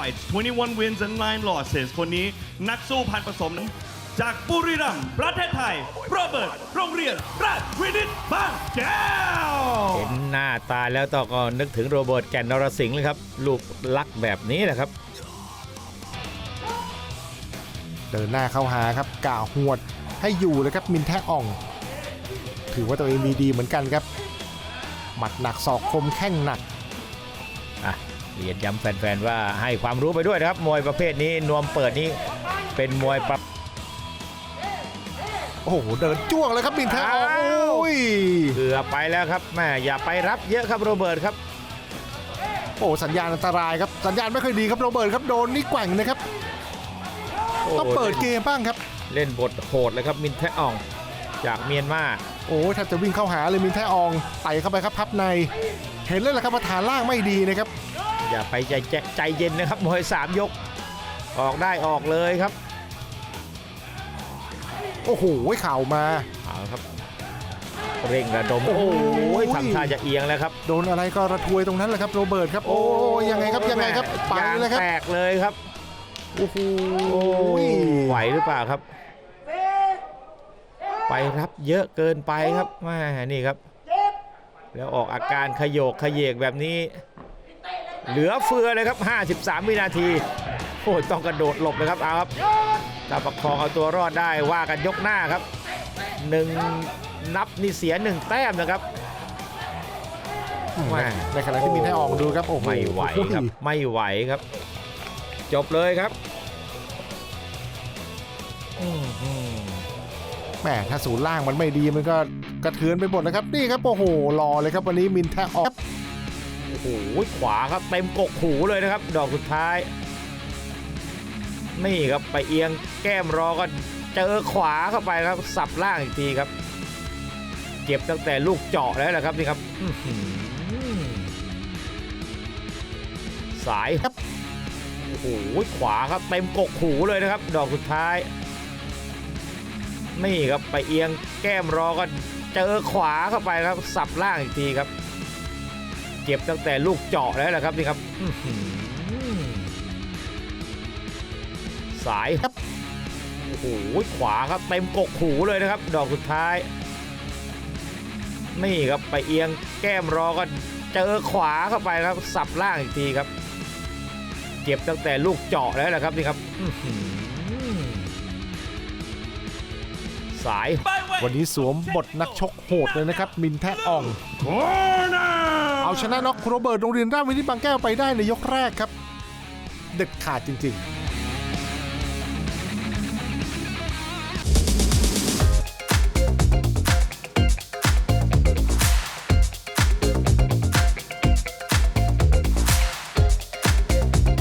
fights 21 wins and 9 losses คนนี้นักสู้พันผสมจากบุรีรัมย์ประเทศไทยโรเบิร์ตโรงเรียนราชวินิตบางแก้วเห็นหน้าตาแล้วต้องก็นึกถึงโรเบิร์ตแก่นนรสิงห์เลยครับลูกลักแบบนี้แหละครับเดินหน้าเข้าหาครับก่าหวดให้อยู่เลยครับมินแทอ่องถือว่าตัวเองมีดีเหมือนกันครับหมัดหนักศอกคมแข้งหนักเรียนย้ำแฟนๆว่าให้ความรู้ไปด้วยนะครับมวยประเภทนี้นวมเปิดนี้เป็นมวยโอ้โหเดินจ้วงเลยครับมินแทอ่องโอ้ยเกือบไปแล้วครับแม่อย่าไปรับเยอะครับโรเบิร์ตครับโอ้สัญญาณอันตรายครับสัญญาณไม่ค่อยดีครับโรเบิร์ตครับโดนนี่แกว่งนะครับต้องเปิดเกมบ้างครับเล่นบทโหดเลยครับมินแทอ่องจากเมียนมาโอ้ถ้าจะวิ่งเข้าหาเลยมินแทอ่องไต่เข้าไปครับพับในเห็นเลยแหละครับว่าฐานล่างไม่ดีนะครับอย่าไปใจเย็นนะครับมวย3 ยกออกได้ออกเลยครับโอ้โหเข่ามาเอาครับเร่งระดมโอ้โหทำท่าจะเอียงแล้วครับโดนอะไรก็ระทวยตรงนั้นแหละครับโรเบิร์ตครับโอ้ยังไงครับยังไงครับไปเลยครับแตกเลยครับโอ้โหไหวหรือเปล่าครับไปรับเยอะเกินไปครับแม่นี่ครับแล้วออกอาการขยโยกขยเยกแบบนี้เหลือเฟือเลยครับ53 วินาทีโอ้ต้องกระโดดหลบเลยครับเอาครับถ้าประคองเอาตัวรอดได้ว่ากันยกหน้าครับ1 นับนี่เสีย1 แต้มนะครับในขณะที่มินแทอ่องดูครับโอ้ไม่ไหวครับไม่ไหวครับจบเลยครับแหมถ้าศูนย์ล่างมันไม่ดีมันก็กระเทือนไปหมดนะครับนี่ครับโอ้โหรอเลยครับวันนี้มินแทอ่องโอ้โหขวาครับเต็มกกหูเลยนะครับดอกสุดท้ายนี่ครับไปเอียงแก้มรอก็เจอขวาเข้าไปครับสับล่างอีกทีครับเจ็บตั้งแต่ลูกเจาะแล้วแหละครับนี่ครับสายครับโอ้โหขวาครับเต็มกกหูเลยนะครับดอกสุดท้ายนี่ครับไปเอียงแก้มรอก็เจอขวาเข้าไปครับสับล่างอีกทีครับเจ็บตั้งแต่ลูกเจาะแล้วแหละครับนี่ครับสายครับโอ้โหขวาครับเต็มกกหูเลยนะครับดอกสุดท้ายนี่ครับไปเอียงแก้มรอก็เจอขวาเข้าไปครับสับล่างอีกทีครับเจ็บตั้งแต่ลูกเจาะแล้วแหละครับนี่ครับสายวันนี้สวมบทนักชกโหดเลยนะครับมินแทอ่องเอาชนะน็อกโรเบิร์ตโรงเรียนราชวินิตบางแก้วไปได้ในยกแรกครับเด็ดขาดจริงๆ